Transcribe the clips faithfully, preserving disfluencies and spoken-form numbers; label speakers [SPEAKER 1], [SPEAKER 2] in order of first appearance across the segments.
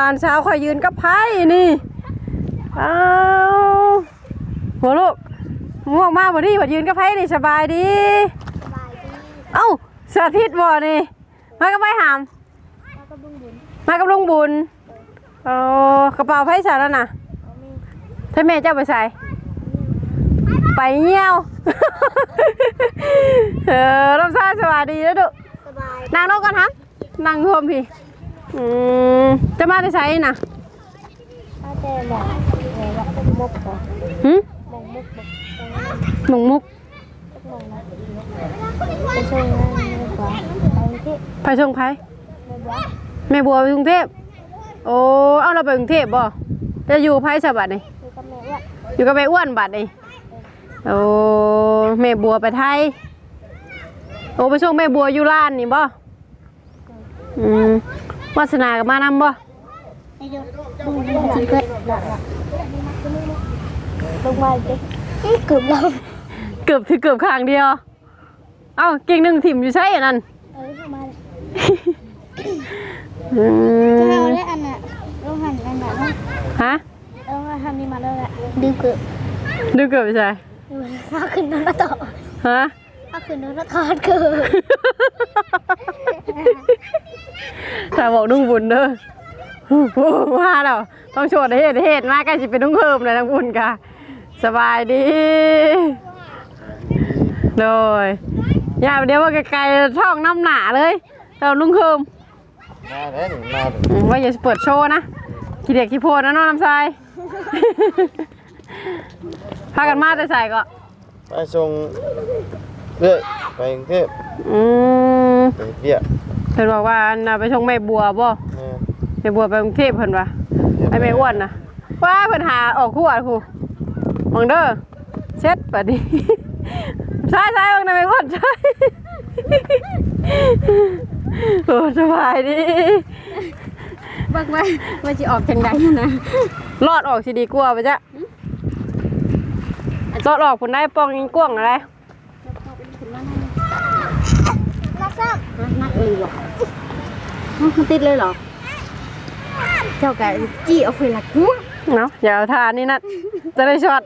[SPEAKER 1] านเช้าคอยยืนกับไพ่นี่อ้าวหัวลูกง่วงมากบ่ดีบ่ยืนกับไพ่นี่สบายดีเอ้าสาธิตบ่นี่มากับไพ่หามมากับลุงบุญอ๋อกระเป๋าไพ่ใส่แล้วนะถ้าแม่เจ้าไปใส่ไปเงี้ยวเออรับทราบสวัสดีแล้วดุนางนกกันครับนางรวมพี่อืมจะมาได้ใช้น่ะมาแต่หมองหมกก่อนหืมหมงมุกไปส่งไปส่งไผ่แม่บัวไปกรุงเทพโอ้เอาเราไปกรุงเทพบ่จะอยู่ไผ่สบัดนี่อยู่กับแม่อ้วนบัดนี่โอ้แม่บัวไปไทยโอ้ไปส่งแม่บัวอยู่ร้านนี่บ่อืมวาสนากับมานำบ่ลงมาดิเกือบเราเกือบถือเกือบข้างเดียวเอ้าเก่งหนึ่งถิ่มอยู่ใช่อันนั้นเออมาจะเอาได้อันน่ะลงหันอันน่ะฮะเอามาทำนี่มาแล้วแหละดื้อเกือบดื้อเกือบใช่ข้าขึ้นน้ำต่อฮะข้าขึ้นน้ำทอดเกือบถ้าบอกนุ่งบุญเด้อมาแล้วต้องโชว์เหตุเหตุมากก็จะเป็นนุ่งเพิ่มเลยทั้งบุญค่ะสบายดีโดยอย่าเดี๋ยวว่าไกลๆท้องน้ำหนาเลยเรานุ่งเพิ่มมาเด้อมาว่าอย่าเปิดโชว์นะขี้เด็กขี้โพดนะน้องน้ำทรายพากันมาแต่ใส่ก็
[SPEAKER 2] ไปส่งเรื่อยไปกรุงเทพอืมไปเบี้ย
[SPEAKER 1] เพิ่นบอกว่าน่ะไปส่งแม่บัวบ่แม่บัวไปกรุงเทพเพิ่นว่าไอ้แม่อ้วนน่ะว่าเพิ่นหาออกคู่อ่ะครูมองเด้อเช็ดบัดนี้ใช่ๆบังน่ะแม่อ้วนใช่โอ้สบายดีบักไว้ว่าสิออกจังได๋นะรอดออกสิดีกว่าป่ะจ๊ะรอดออกพุ่นได้ป้องยิงกว้างอะไรนักซ้ำนักเลยหรอมันติดเลยเหรอเจ้าแกจี้เอาไฟหลักหัวเนาะอย่าเอาทานนี่นัดจะได้ช็อต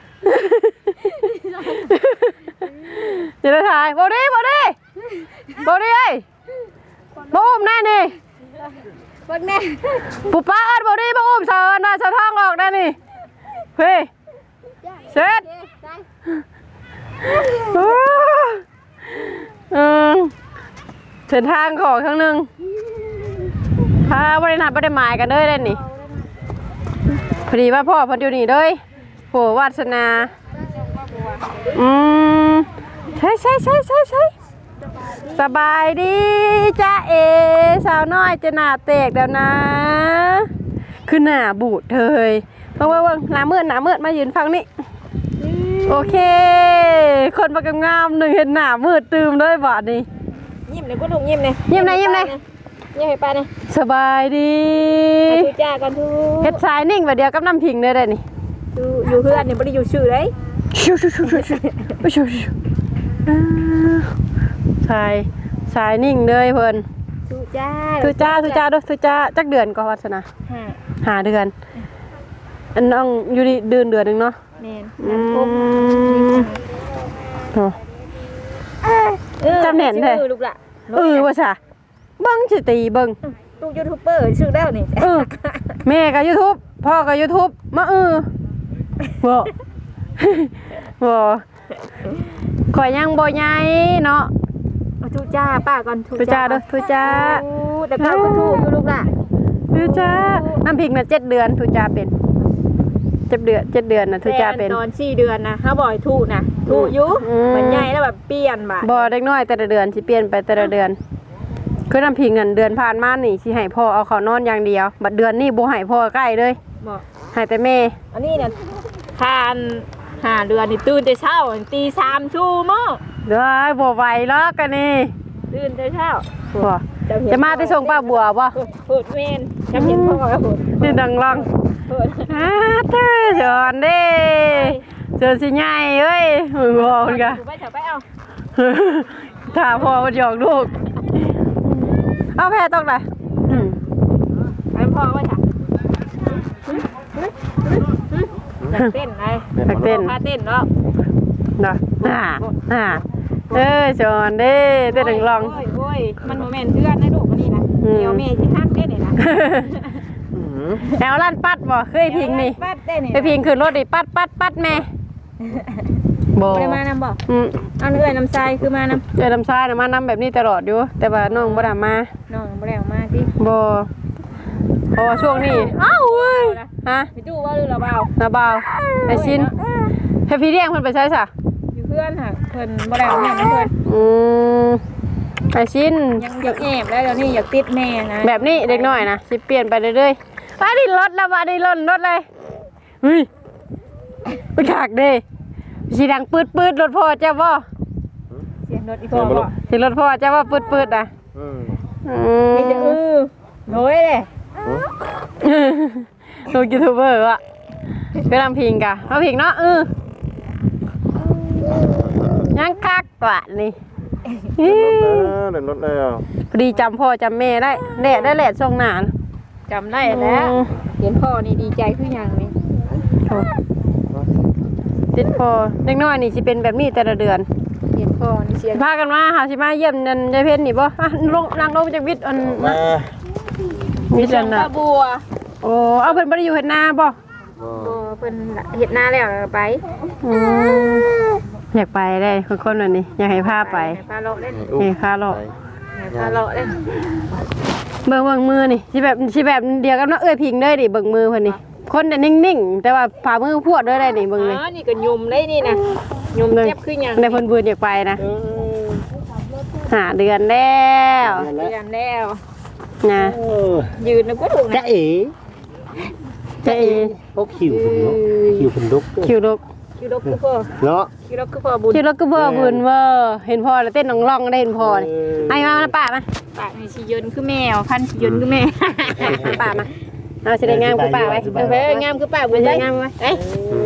[SPEAKER 1] จะได้ถ่ายบอดี้บอดี้บอดี้ไอ้บูมแน่นี่บอดี้ปุ๊บป้าอัดบอดี้มาอุ้มเชิญมาเชิญท้องออกได้นี่เฮ้ยเสร็จอืมเส้นทางของครั้งหนึ่งพาบริษัทบริหมายกันเลยได้นี่พอดีว่าพ่อพอดีนี่เลยโหวาสนาอืมใช่ใช่ใช่ใช่ใช่สบายดีจ้าเอสาวน้อยจะหน้าเตกแล้วนะคือหน้าบูดเลยว่างว่างหน้ามืดหน้ามืดมายืนฟังนี่โอเคคนประกำงามหนึ่งเห็นหน้ามืดตื่มด้วยบาดนี่ยิ้มเลยก็ถูกยิ้มเลยยิ้มเลยยิ้มเลยยิ้มให้ป้าเนี่ยสบายดีทุจ้ากันทุเฮ็ดสายนิ่งแบบเดียวกับน้ำพิงเลยได้นี่อยู่เพื่อนเนี่ยไม่ได้อยู่ชื่อเลยชูชูชูชูชูชูชูสายสายนิ่งเลยเพิ่นทุจ้าทุจ้าทุจ้าด้วยทุจ้าจักเดือนก็วัฒนาห้าห้าเดือนอันน้องอยู่ดีเดือนเดือนหนึ่งเนาะแม่นอืมจำแหน่นเลยลูกละเออว่าซะเบิ้งสิตีเบิ้งลูกยูทูบเบอร์ชื่อแล้วนี่เออแม่กับยูทูบพ่อกับยูทูบมาเออบ่บ่ข่อยยังบ่ใหญ่เนาะทุจ้าป้าก่อนทุจ้าเด้อทุจ้าแต่ก็ทุอยู่ลูกละทุจ้าน้ำพริกน่ะเจ็ดเดือนทุจ้าเป็นเจ็ดเดือนเจ็ดเดือนนะทุจ้าเป็นตอนสี่เดือนนะเขาบ่อยทุนะทุยุมันใหญ่แล้วแบบเปลี่ยนบ่บ่เล็กน้อยแต่ละเดือนสิเปลี่ยนไปแต่ละเดือนคือน้ำพิงเงินเดือนผ่านมานี่สิให้พ่อเอาเขานอนอย่างเดียวบัดเดือนนี่บ่ให้พ่อใกล้เลยบ่ให้แต่แม่อันนี้เนี่ยทานห้าเดือนนี่ตื่นแต่เช้าตีสามชั่วโมงได้บ่ไหวแล้วกันนี่ตื่นแต่เช้าบ่จะมาไปส่งป้าบัวบ่พูดเมนจำเห็นพ่อครับผมนี่ดังลังฮ่าเธอจอนเด้เจอสิใหญ่เอ้ยมึงบอกกันกันไปเถอะไปเอาถ้าพ่อมันหยอกลูกเอาแพ้ตรงไหนไปพ่อว่าจ้ะ
[SPEAKER 3] เต้นไง
[SPEAKER 1] นักเต้น
[SPEAKER 3] พาเต้นเนาะ
[SPEAKER 1] เนาะอ่าอ่าเอ้ยจอนเด้เต้นหนึ่งลอง
[SPEAKER 3] โอ้ยโอ้ยมันโมเมนต์เพื่อนนะลูกคนนี้นะเดี๋ยวเมย์ที่ฮักเต้นนี่นะ
[SPEAKER 1] แถวลั่นปัดบ่เคยพิงนี่
[SPEAKER 3] ปัดเต้นนี่
[SPEAKER 1] ไปพิงขึ้นรถดิปัดปัดปัดแม่บ่
[SPEAKER 3] ไม่ได้มานำบ่
[SPEAKER 1] อืม
[SPEAKER 3] เอาเนื้อน้ำทรายคือมานำ
[SPEAKER 1] เจอลำไส้นะมานำแบบนี้ตลอดอยู่แต่ว่าน้องบ่ได้มา
[SPEAKER 3] น้องไม่ได้ออกมาที่
[SPEAKER 1] บ่เพราะว่าช่วงนี้อ้าวเว้ยฮะ
[SPEAKER 3] พี่ตู้ว่าหรือเราเบา
[SPEAKER 1] นาบ่าวไอชินเฮฟพี่เรียงเพิ่นไปใช้ซะ
[SPEAKER 3] อยู่เพื่อนค่ะเพิ่นไม่ได้ออกมาเพื่อน
[SPEAKER 1] อืมไอชิน
[SPEAKER 3] ยังอยากแอบแล้วเดี๋ยวนี้อยากติดแม่นะ
[SPEAKER 1] แบบนี้เด็กน้อยนะสิเปลี่ยนไปเรื่อยๆว่าดิรถแล้วว่าดิรถรถเลยเฮ้ยไปขากเด้สิดังปืดปืดรถพ่อเจ้าบ่
[SPEAKER 3] เสียงรถอีกพ่อบ่
[SPEAKER 1] สิรถพ่อเจ้าว่าปืดปืดอ่ะ
[SPEAKER 2] อืม
[SPEAKER 1] อื
[SPEAKER 3] มีแต่
[SPEAKER 1] ม
[SPEAKER 3] อือโน้ยเลย
[SPEAKER 1] ลูกยูทูบเบอร์อ่ะไปทำพิงกะเอาพิงเนาะเออยังคักกว่านี่
[SPEAKER 2] เดินรถแล้ว
[SPEAKER 1] พอดีจำพ่อจำแม่ได้แดดได้แหละช่วงหนาน
[SPEAKER 3] จำได้แล้วเห็นพ่อนี่ดีใจขึ้นยังนี่
[SPEAKER 1] ติดพ่อเด็กน้อยนี่สิเป็นแบบนี้แต่ละเดือน
[SPEAKER 3] เห็นพ่อนี่เสียง
[SPEAKER 1] พากันมาหาสิมาเยี่ยมนันยายเพชรนี่บ่อ่ะลงนางลงจากวิทย์อัน
[SPEAKER 2] มา
[SPEAKER 1] วิทย์
[SPEAKER 3] เสีย
[SPEAKER 1] อั
[SPEAKER 3] ง
[SPEAKER 1] นน่ะ
[SPEAKER 3] ป้าบัว
[SPEAKER 1] โอ้เอาเพิ่นบ่ได้อยู่เฮ็ดนาบ่
[SPEAKER 3] บัวเพิ่นเห็ดหน้าแล้วไป
[SPEAKER 1] อืมอยากไปได้คนๆแบบนี้อยากให้พาไป
[SPEAKER 3] พาเลาะเล่น
[SPEAKER 1] นี่ค่าเลาะ
[SPEAKER 3] พาเลาะเล่น
[SPEAKER 1] เบิ่งเบิ่งมือนี่สิแบบสิแบบเดียวกับน้องเอ้ยพิงเลยดิเบิ่งมือเพิ่นนี่คนน่ะนิ่งๆแต่ว่าฝ่ามือพวดด้วยได้นี่เบิ่งเลย
[SPEAKER 3] อ๋อนี่ก็ยุ่มเลยนี่นะยุ่มเจ็บขึ้นยัง
[SPEAKER 1] ในเพิ่นบืนอยากไปนะหาเดือนแล้ว
[SPEAKER 3] เรียนแล้ว
[SPEAKER 1] นะ
[SPEAKER 3] ยืนนึกว่าถูก
[SPEAKER 4] จ๊ะ
[SPEAKER 3] นะ
[SPEAKER 4] เอ๋
[SPEAKER 1] เจะเอ
[SPEAKER 4] พวกคิวคุณเนาะคิวคุณลุก
[SPEAKER 1] คิวลูก
[SPEAKER 3] คิวรกคือพ่อ
[SPEAKER 4] เนาะ
[SPEAKER 3] คิวรกคือพ่อบุญ
[SPEAKER 1] คิวลูกก็เบ่บืนเว้อเห็นพ่อแล้วเต้นน้องๆได้เห็นพ่อนี่ไอ้มามาป้ามา
[SPEAKER 3] ปากนี่ชียนคือแมวพันชียนคือแม่
[SPEAKER 1] ป้ามาเอาสิได้งามคือป้าไว้
[SPEAKER 3] เออไปงามคือป้าบุ
[SPEAKER 1] บ่
[SPEAKER 3] ญ
[SPEAKER 1] ได้
[SPEAKER 3] ได้
[SPEAKER 1] งามไว้
[SPEAKER 3] เอ้ย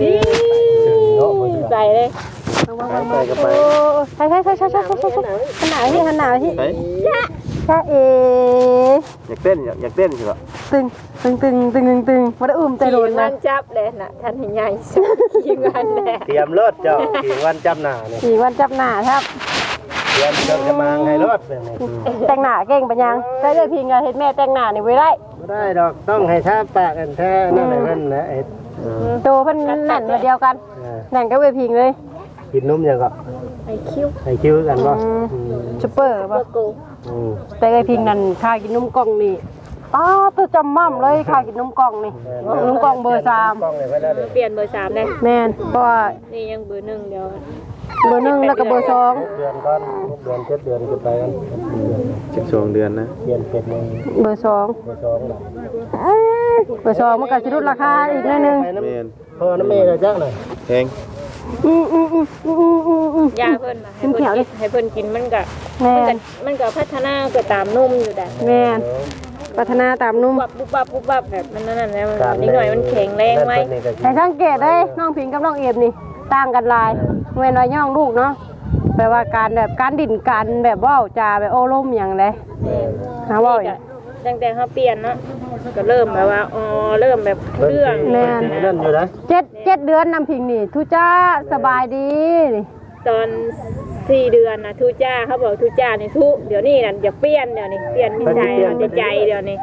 [SPEAKER 3] ใส่เลย
[SPEAKER 2] ไปก็ไป
[SPEAKER 1] โอ้ใช่ๆๆๆๆๆขนาดที่ขนาดที่
[SPEAKER 2] ไป
[SPEAKER 1] จ้าเอ
[SPEAKER 2] อยากเต้นอยากอยากเต้นใช่ปะ
[SPEAKER 1] ตึงตึงตึงตึงตึงตึงบ่ได้อุ้มแต่โดน
[SPEAKER 3] มั
[SPEAKER 1] นะ
[SPEAKER 3] นจับเลยน่ะท่านใหญ่สุดยิงวันแหละ
[SPEAKER 4] เตรียมรถเจ้าเตรียมวันจำหน้าเนี่ย
[SPEAKER 1] สี่วันจับหน้าครับ
[SPEAKER 4] เตรียมเครื่องจะมางให้รถเป็นไง
[SPEAKER 1] แต่งหน้าเก่งปะยังได้เลยพิงอะเฮ็ดแม่แต่งหน้านี่ไว้ได้
[SPEAKER 4] ไม่ได้ดอกต้องให้ท่าปากกันแท้นั่นแหละนั่นแหละเอ็ด
[SPEAKER 1] โตเพิ่นนั่นมาเดียวกัน
[SPEAKER 4] เออ
[SPEAKER 1] นั่นก็เวพิงเลย
[SPEAKER 4] กินนุ่มยังก็
[SPEAKER 3] ไอ้คิ้ว
[SPEAKER 4] ให้คิวกันป่ะ
[SPEAKER 1] ซุปเปอร์ป่ะ
[SPEAKER 3] โก
[SPEAKER 4] อืม
[SPEAKER 1] แต่ไอพิงนั่นข้ากินนมกล่องนี่อ้าตัวจำม่ำเลยข้ากินนมกล่องนี่นมกล่องเบอร์สาม
[SPEAKER 4] กล้องเลยไว้แล้วเดี๋ยว
[SPEAKER 3] เปลี่ยนเบอร์สามเลย
[SPEAKER 1] แม่นเพราะว่า
[SPEAKER 3] นี่ยังเบอร์หนึ่งเดียว
[SPEAKER 1] เบอร์หนึ่งแล้วก็เบอร์สอง
[SPEAKER 4] หกเดือนก่อนหกเดือนเจ็ดเดือนขึ้นไปกัน
[SPEAKER 2] สิบสองเดือนนะ
[SPEAKER 4] เดือนเจ็ดโมง
[SPEAKER 1] เบอร์สอง
[SPEAKER 4] เบอร์สองน่ะ
[SPEAKER 1] เบอร์สองมันก็สิลดราคาอีกหนิดนึง
[SPEAKER 4] ไปน้
[SPEAKER 2] เมน
[SPEAKER 4] ำพ่อน้ำเมย์เลยจ้าหน่อย
[SPEAKER 2] แพง
[SPEAKER 1] อืมอืมอืมอืมอืมอืมอืม
[SPEAKER 3] ยาเพิ่นมาให้เพิ่นกินให้เพิ่นกินมันก็
[SPEAKER 1] แม่
[SPEAKER 3] มัน
[SPEAKER 1] น
[SPEAKER 3] ก็มันก็พัฒนาก็ตามนุ่มอยู่แต่
[SPEAKER 1] แม่นพัฒนาตามนุ่ม
[SPEAKER 3] บับปุ๊บบับปุ๊บบับแบบมันนั่นๆแล้วมันนิดหน่อยมันแข็งแรงไหม
[SPEAKER 1] แต่สังเกตได้น้องพิงกับน้องเอฟนี่ต่างกันหลายเว้นว่าย่องลูกเนาะแปลว่าการแบบการดิ่นการแบบเว้าจาแบบโอ้ล่มอย่างไรหาเว้าอย่าง
[SPEAKER 3] ตั้งแต่เขาเปลี่ยนเนาะก็เริ่มแบบว่าอ๋อเริ่มแบบเรื่อง
[SPEAKER 1] แม่น
[SPEAKER 4] นั่นอยู่นะ
[SPEAKER 1] เจ็ดเจ็ดเดือนน้ำพิงนี่ทุจ้าสบายดีนี่
[SPEAKER 3] ตอนสี่เดือนนะทูจ้าเขาบอกทูจ้านี่ทุเดี๋ยวนี้น่ะอย่าเปลี่ยนเดี๋ยวนี้เปลี่ยนนิสัยเอาแต่ใจเดี๋ยวนี้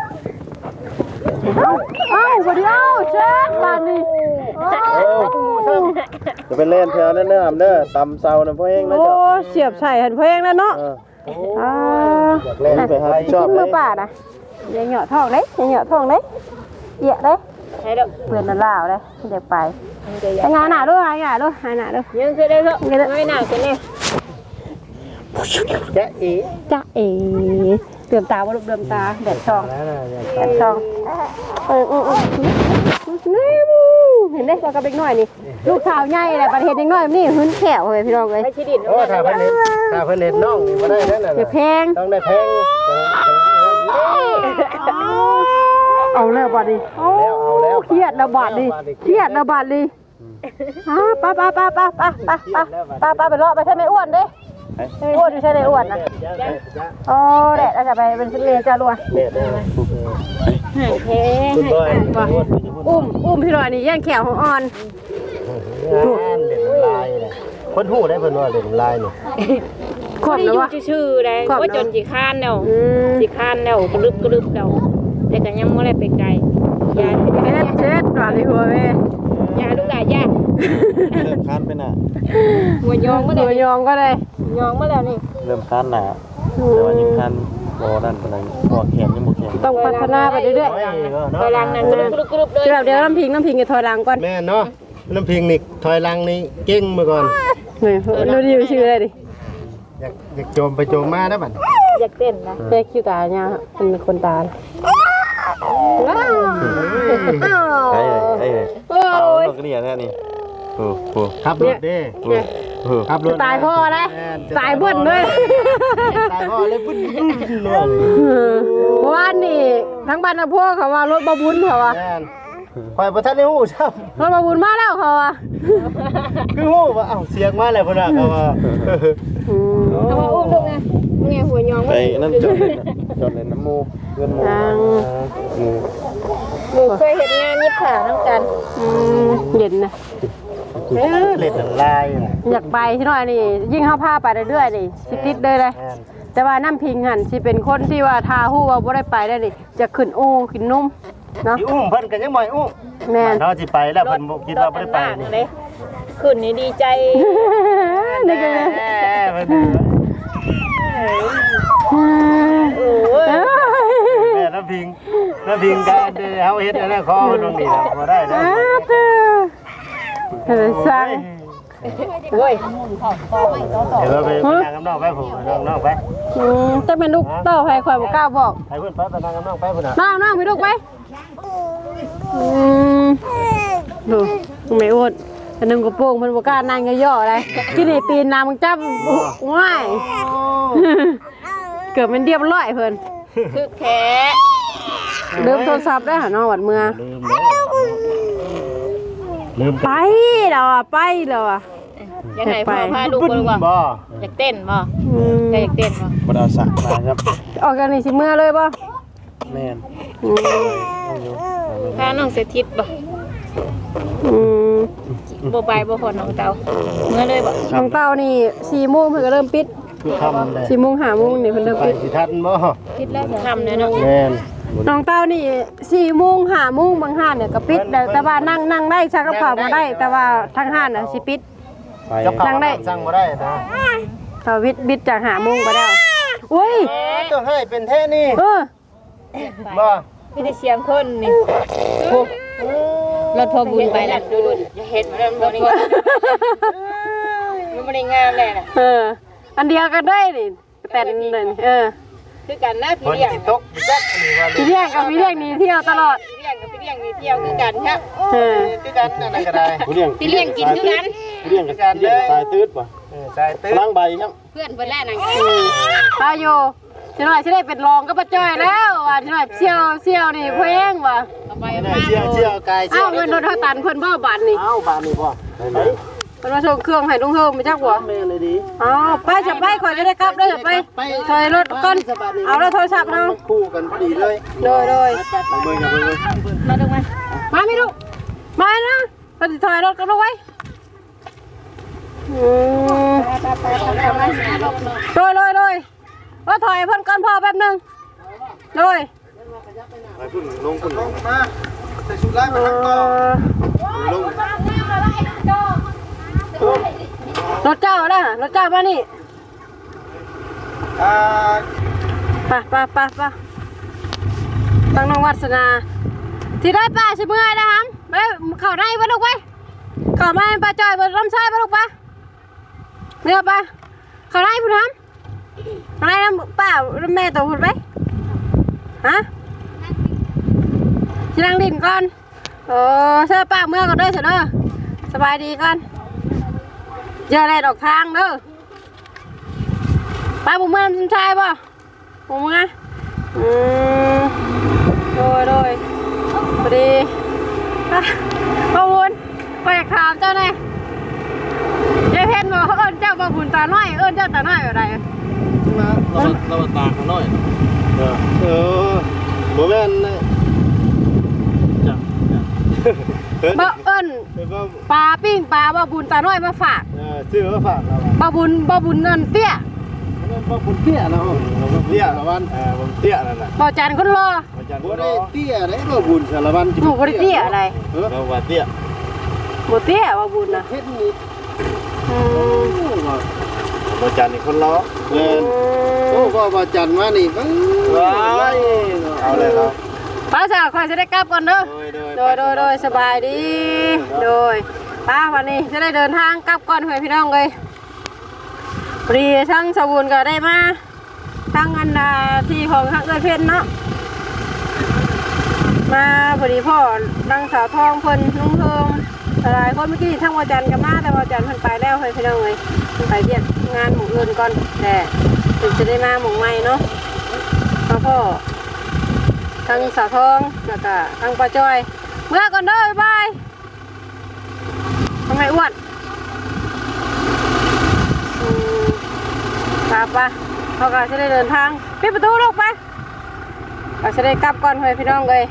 [SPEAKER 1] เอ้าบ่ได้เอาเช็ดบานนี่
[SPEAKER 2] โอ้จะเป็นเล่นแถวนั่นเด้อเด้อตำเซาน่ะพ่อเองนะ
[SPEAKER 1] โอ้
[SPEAKER 2] จ๊ะ
[SPEAKER 1] เสียบใส่หันเพลงแล้วเนาะ
[SPEAKER 2] เออ
[SPEAKER 1] อ่า
[SPEAKER 4] อยากเล่น
[SPEAKER 2] ไปหาชอบ
[SPEAKER 1] กิน
[SPEAKER 2] เล
[SPEAKER 1] มือย ป่านะอย่าเหยาะท้องเด้อย่าเหยาะท้องเด้เอียเด้
[SPEAKER 3] ใช่แล้ว
[SPEAKER 1] เพื่อนละลาวเด้เดี๋ยวไป
[SPEAKER 3] มันจะ
[SPEAKER 1] ไปงานหน้าด้วยงานหน้าด้วยงานหน้าด้วย
[SPEAKER 3] ยังคือได้เถอะไม่หนักกันเนี่ย
[SPEAKER 4] จ๊ะเอ๋
[SPEAKER 1] จ้าเอ๋เดือมตาว่าลูกเดือมตาแดดช่อง
[SPEAKER 4] แล้วนะเนี่ย
[SPEAKER 1] แดดช่องเออเออเออนี่เห็นได้ตัวกับเด็กน้อยนี่ลูกสาวใหญ่แหละประเทศเด็กน้อยนี่หื้นแขวเลยพี่น้องเลย
[SPEAKER 3] ไม่ชิดิน
[SPEAKER 4] โอ้ถ้าเพิ่นเห็นถ้าเพิ่นเห็นน้องนี่บ่ได้แน่นอน
[SPEAKER 1] อย่าแพง
[SPEAKER 4] ต้องได้แพง
[SPEAKER 1] เอาแล้วบาดดิ
[SPEAKER 4] แล้วเอาแล้ว
[SPEAKER 1] เครียดแล้วบาดดิเครียดแล้วบาดดิฮะป้าป้าป้าป้าป้าป้าป้าป้าป้าไปเลาะไปใช่ไหมอ้วนดิอ้วนอยู่ใช่เลยอ้วนนะอ๋อแดดอาจจะไปเป็นเรียจ้าลัว
[SPEAKER 4] เด็ด
[SPEAKER 3] เฮ้
[SPEAKER 4] คุณบอย
[SPEAKER 1] อุ้มอุ้มพี่หน่อยนี่แย่งแขวของอ่อน
[SPEAKER 4] เล่นลายเลยคนหูได้เพิ่นว่าเล่นลายนี่
[SPEAKER 1] ขอบ
[SPEAKER 3] ไม่
[SPEAKER 1] นะ
[SPEAKER 3] อยู่
[SPEAKER 1] วะ
[SPEAKER 3] ชื่อๆเลยว่าจนสิค้านแล้ว
[SPEAKER 1] อืม
[SPEAKER 3] สิค้านแล้วกระลึบกระลึบแล้วแต่ก็ยังบ่ได้ไปไกลยา
[SPEAKER 1] เช็ดเช็ดหวานในหัวแม่
[SPEAKER 3] ยาลูกหลานยา
[SPEAKER 2] เริ่มคันไปน่ะ
[SPEAKER 3] หัวยองมา
[SPEAKER 1] ห
[SPEAKER 3] แล้
[SPEAKER 1] นู
[SPEAKER 3] วย
[SPEAKER 1] องก็ได้
[SPEAKER 3] ยองมาแล้วนี่
[SPEAKER 2] เริ่มคันน่ะแต่ว่ายังคันบ่นั่นปานใดบ่แขนยังบ่แข็ง
[SPEAKER 1] ต้องพัฒนาไปเรื่อย
[SPEAKER 3] ไปลังนั้นกระลึบกระลึบกระลึบเลย
[SPEAKER 1] ๆแบบเดียวน้ำพิงน้ำพิงจะถอยหลังก่อน
[SPEAKER 4] แม่เนาะน้ำพิงนี่ถอยหลังนี่เก่งมาก่อน
[SPEAKER 1] นี่ดูดิวชื่ออะไรดิ
[SPEAKER 4] อยากอยากโจมไปโจมมาได้บัด
[SPEAKER 3] อยากเต้นนะ
[SPEAKER 1] เจ๊คิวตาเนี่ยเป็นคนตาว้าว
[SPEAKER 2] ไอ้ไอ้
[SPEAKER 1] โอ้
[SPEAKER 2] เอา
[SPEAKER 1] ย
[SPEAKER 2] ดอกเรียนแท้นี่โอ้โห
[SPEAKER 4] ขับรถเด้
[SPEAKER 2] โอ้โห
[SPEAKER 4] ขับรถ
[SPEAKER 1] ตายพ่อเลยตายเบิ้ลด้วย
[SPEAKER 4] ตายพ่อเลยบึ้นบึ้นเลย
[SPEAKER 1] เพราะว่านี่ทั้งบ้านทั้งพวกเขาว่ารถบาบุญเขาว่า
[SPEAKER 4] แม่นคอยบ่ทันได้ฮู้ซ้ำ
[SPEAKER 1] รถบาบุญมาแล้วเขาว่า
[SPEAKER 4] คือฮู้ว่าเอ้าเสียงมาแล้วพุ่นน่ะเขาว่า
[SPEAKER 3] เอามาอุ้มลูกนะนี่หัวยอง
[SPEAKER 2] ไปนั่นจอดเลยนะจอดเลยน้ำมูเพื่อนมู
[SPEAKER 1] ทาง
[SPEAKER 2] มู
[SPEAKER 3] หนูเคยเห็นงานยิบผ่าน้ำกัน
[SPEAKER 1] อืมเย็นนะ
[SPEAKER 4] เออเล่นน้ำลายน่ะ
[SPEAKER 1] อยากไปที่น้อยนี่ยิ่งเข้าผ้าไปเรื่อยๆนี่สิติดเลยเลย
[SPEAKER 4] แม่น
[SPEAKER 1] แต่ว่าน้ำพิงหันสิเป็นคนที่ว่าทาหู้ว่าบ่ได้ไปได้นี่จะขึ้นอู้ขึ้นนุ่มเนาะ
[SPEAKER 4] สิอุ้มเพิ่นก็ยังบ่ให้อุ้ม
[SPEAKER 1] แม่น
[SPEAKER 4] เฮาสิไปแล้วเพิ่นบ่คิดว่าบ่ได้ไปนี่
[SPEAKER 3] เลยขึ้นนี่ดีใจ
[SPEAKER 1] นี่ก็เลย
[SPEAKER 4] แม่เพิ่น
[SPEAKER 3] โอ้ย
[SPEAKER 1] เอ้ย
[SPEAKER 4] แม่น้ำพิงน้ำพิงก็เฮาเฮ็ดอันนั้นขอเพิ่นตรงนี้ล่ะบ่ได้นะ
[SPEAKER 1] อ้าวเธอเธอสั่ง
[SPEAKER 3] โอ้ย
[SPEAKER 4] เดี๋ยวเราไปนั่งกับน้องไปผมน้องน้องไป
[SPEAKER 1] อืมจะเป็นลูกเต้าใครคอยบ่กล้าบอก
[SPEAKER 4] ไปเพื่อนไปไปนั่งกับน้องไปพุ่นน่ะ
[SPEAKER 1] น้องน้องไปลูกไปอืมดูไม่อดอันนึงกระโปรงมันบ่กล้านั่งย่อๆอะไรที่นี่ปีนน้ำมึงจับง่ายเกือบเป็นเรียบร้อยเพิ่น
[SPEAKER 3] คือแค่
[SPEAKER 1] เริ่มโทรศัพท์ได้หาน้องวัดเมือง
[SPEAKER 4] ลืมเลยลืม
[SPEAKER 1] ไปแล้วอ่ะไปแล้วอ่ะ
[SPEAKER 3] ยังไงพ่อพาลูกไปว่า
[SPEAKER 4] บ่
[SPEAKER 3] อยากเต้นบ่
[SPEAKER 1] อืม
[SPEAKER 3] อยากเต้นบ่
[SPEAKER 2] บ่ได้เอาสระมาครับ
[SPEAKER 1] ออกกันนี่สิเมื่อเลยป่ะ
[SPEAKER 2] แม่น
[SPEAKER 1] อืม
[SPEAKER 3] พาน้องเสถิตบ่
[SPEAKER 1] อืม
[SPEAKER 3] บ่ไปบ่พอน้องเตาเมื่อเลยบ่
[SPEAKER 1] น้องเต้านี่สี่โมงเพิ่นก็เริ่มปิด
[SPEAKER 4] คือทำเลย
[SPEAKER 1] สี่โมงห้าโมงนี่เพิ่นเริ่ม
[SPEAKER 4] ไป
[SPEAKER 1] ปิด
[SPEAKER 4] สิทันบ่
[SPEAKER 3] คิดแล้วทำเนี่ยเนาะ
[SPEAKER 4] แม่น
[SPEAKER 1] น้องเต้านี่สี่โมงห้าโมงบางห้านเนี่ยก็ปิดแต่แต่ว่านั่งนั่งได้ชักกระเป๋ามาได้ แต่ว่าทางห้านน่ะสิปิด
[SPEAKER 2] ไป
[SPEAKER 4] จับเขา
[SPEAKER 1] สั่งได้
[SPEAKER 4] สั่งบ่ได้นะ
[SPEAKER 1] เขาวิทย์บิดจากห้าโมงไปแล้วอุ้ย
[SPEAKER 4] ต้องให้เป็นแท้นี่
[SPEAKER 1] เออ
[SPEAKER 4] บ่
[SPEAKER 3] มีแต่เสียงคนนี่รถพอบุญไปแล้วดูดูอย่าเฮ็ดมาแล้วมันนี่มันบ่ได้งามเลยน่ะ
[SPEAKER 1] เออ อันเดียวกันได้นี่แต่นนั่นเออ
[SPEAKER 3] คือกันนะ
[SPEAKER 4] คน
[SPEAKER 3] พี่เลี้ยง
[SPEAKER 4] สิตกจักนี่ว่า
[SPEAKER 1] พี่เลี้ยงกับพี่เลี้ยงหนี่เที่ยวตลอด
[SPEAKER 3] พี่เลี้ยงกับพี่เลี้ยงมีเที่ยวคือกันครับ
[SPEAKER 1] เออ
[SPEAKER 4] คือกันนั่นน่ะก็ได้
[SPEAKER 2] ผู้เลี้ยง
[SPEAKER 3] พี่เลี้ยงกินคือกัน
[SPEAKER 2] ผู้เลี้ยงกับผู้เลี้ยงสายตืดป่ะ
[SPEAKER 4] เออใส่ตื้
[SPEAKER 2] พ
[SPEAKER 4] อ
[SPEAKER 2] ลังใบครับ
[SPEAKER 3] เพื่อนเพิ่นแลนั่ง
[SPEAKER 1] ตาอยู่ชิหน่อยชิได้เป็นรองก็ประจ้อยแล้วว่ะชิหน่อยเชี่ยวเชี่ยวนี่เพ่งว่ะ
[SPEAKER 3] เอาไป
[SPEAKER 4] เชี่ยวเชี่ยวกายเชี่
[SPEAKER 1] เอ้า
[SPEAKER 4] ยว
[SPEAKER 1] เงินโดนเท่าตันเพิ่นบ่บาทนี่
[SPEAKER 4] เอ้าบานนี่บ่ไป
[SPEAKER 1] เพิ่นมาส่งเครื่องให้ลุงเฮิมไปจักหัว
[SPEAKER 4] แม่เลยดี
[SPEAKER 1] อ๋อไปจะไปข่อยจะได้กลับเด้อจะไปถอยรถก่อนเอาแล้วโทรศัพท์เนาะ
[SPEAKER 4] คู่กันพอดีเลย
[SPEAKER 1] โดยโดย
[SPEAKER 4] ไปเบิ่งกันเบิ่ง
[SPEAKER 3] มาดูมา
[SPEAKER 1] มาไม่ลูกมานะไปถอยรถกันลูกไว้อืมโดยโดยโดยว่าถอยเพิ่นก่อนพ่อแป๊บนึงโดย
[SPEAKER 2] ไปพุ่นลงพุ่น
[SPEAKER 4] ลงมาใส่ชุดไล่มาทั้งต่อลง
[SPEAKER 1] รถเจ้านะรถเจ้ามานี่
[SPEAKER 4] อ่า
[SPEAKER 1] ไปไปไปไปตั้งน้องวัฒนาที่ได้ป้าชิเมื่อยนะครับไปเข้าได้ปะลูกไปเข้ามาป้าจอยบนลำไส้ปะลูกปะเนี่ยปะเข้าได้พุ่นทำเข้าได้น้ำป้าแม่ตัวพุ่นไปฮะชิลังดินก่อนโอ้เชื่อป้าเมื่อก่อนเด้อเถอะเด้อสบายดีก่อนเจออะไรดอกทางเด้อป้าบุ้มเมื่อลำไส้ปะบุ้มเมื่ออืมโดยโดยพอดีอ่ะพ่อวุ้นไปถามเจ้าหน่อยยายเพนบ่เอิ้นเจ้าบ่บุญตาน้อยเอิ้นเจ้าตาน้อยแบบใด
[SPEAKER 2] มาเราเราตาเขาหน่อยเออเออบ่แม่นนะจ้ะเฮ้ย
[SPEAKER 1] บ่เอิ้น
[SPEAKER 2] เออบ่
[SPEAKER 1] ปลาปิ้งปลาบ่บุญตาน้อยมาฝาก
[SPEAKER 2] เออซื้อมาฝากเรา
[SPEAKER 1] บ่บุญบ่บุญนั่นเตี้ย
[SPEAKER 2] บ่บุญเตี้ยเราบ่เตี้ยละวันเออบ่เตี้ยนั่นน่ะ
[SPEAKER 1] บ่จันคนรอ
[SPEAKER 2] อาจารย์บ่ได้เตี้ยได้บ่บุญสารวัน
[SPEAKER 1] หนูบ่ได้เตี้ยอะไร
[SPEAKER 2] เออเราว่าเตี้ย
[SPEAKER 1] บ่เตี้ยบ่บุญน่ะ
[SPEAKER 2] เฮ็ดนี่
[SPEAKER 1] อืม
[SPEAKER 2] บ่จันนี่คนล้อเออโอ้ก็บ่จันมานี่ว้ายเอาเลยครับ
[SPEAKER 1] ป้าสาวขอยจะได้กลับก่อนเด้อ โดยโดยโดยสบายดี โดยป้าวันนี้จะได้เดินทางกลับก่อนเพื่อนพี่น้องเลยพอดีทั้งสบุญก็ได้มาทั้งอันดาที่ของทั้งเอ้ยเพชรเนาะมาพอดีพ่อดังสาวทองเพิ่นลุงเทิงหลายคนเมื่อกี้ทั้งวาจันกับมาแต่วาจันเพิ่นไปแล้วเพื่อนพี่น้องเลยเพิ่นไปเรียกงานหมู่อื่นก่อนแต่เพิ่นจะได้มาหมู่ใหม่เนาะมาพ่อทั้งสาวทองแล้วก็ทั้งป้าจ้อยเมื่อก่อนเด้อบ๊ายบายทำไมอ้วนอืมปะปะเขาก็จะได้เดินทางปิดประตูลูกไปก็จะได้กลับก่อนเพื่อนพี่น้องเลย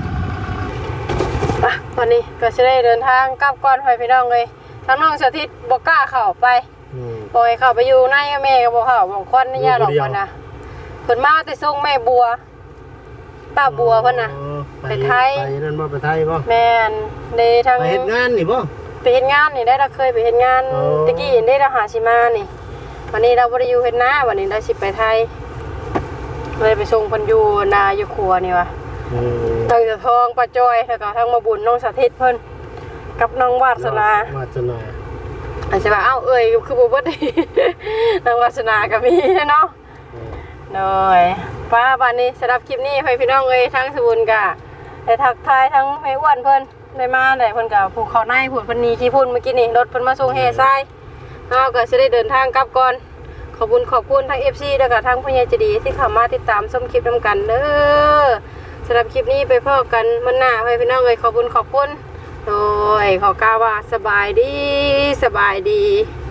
[SPEAKER 1] ปะตอนนี้ก็จะได้เดินทางกลับก่อนเพื่อนพี่น้องเลยทั้งน้องสถิตบอกกล้าเข้าไปบอกให้เข้าไปอยู่ในแม่ก็บอกเข้าบอกควันนี่ยาหลอกคนนะเพิ่นมาแต่ส่งแม่บัวป้าบัวเพิ่นน่ะไปไทย
[SPEAKER 4] ไปนั่นบ่ไปไทยบ่
[SPEAKER 1] แม่นเดทาง
[SPEAKER 4] ไปเฮ็ดงานนี่บ่
[SPEAKER 1] ไปเฮ็ดงานนี่ได้เราเคยไปเฮ็ดงาน
[SPEAKER 4] อ๋อ
[SPEAKER 1] ตะกี้ได้เราหาชิมานี่วันนี้เราบ่ได้อยู่เฮ็ดนาวันนี้เราสิไปไทยเลยไปส่งเพิ่นอยู่นาอยู่ครัวนี่ว่ะ
[SPEAKER 4] อืม
[SPEAKER 1] ทางเจ้าทองป้าจ้อยแล้วก็ทางมาบุญน้องสาธิตเพิ่นกับน้องวาสนาว
[SPEAKER 4] าสนา
[SPEAKER 1] อาจจะว่าเอ้าเอ้ยคือบ่เบิด น้องวาสนาก็มีเนาะ โดยป้าบ้านนี้สำหรับคลิปนี้ให้พี่น้องเลยทั้งสบุญกะได้ทักทายทั้งไม่อ้วนเพิ่นได้มาได้เพิ่นกะผูกคอในผูกเพิ่นหนีขี้พุ่นเมื่อกี้นี่รถเพิ่นมาส่งเฮทรายเฮาก็สิได้เดินทางกลับก่อนขอบคุณขอบคุณทั้ง เอฟ ซี แล้วก็ทั้งผู้ใหญ่ใจดีที่เข้ามาติดตามชมคลิปนำกันเด้อสำหรับคลิปนี้ไปพบกันมื้อหน้าให้พี่น้องเลยขอบคุณขอบคุณโดยขอกล่าวว่าสบายดีสบายดี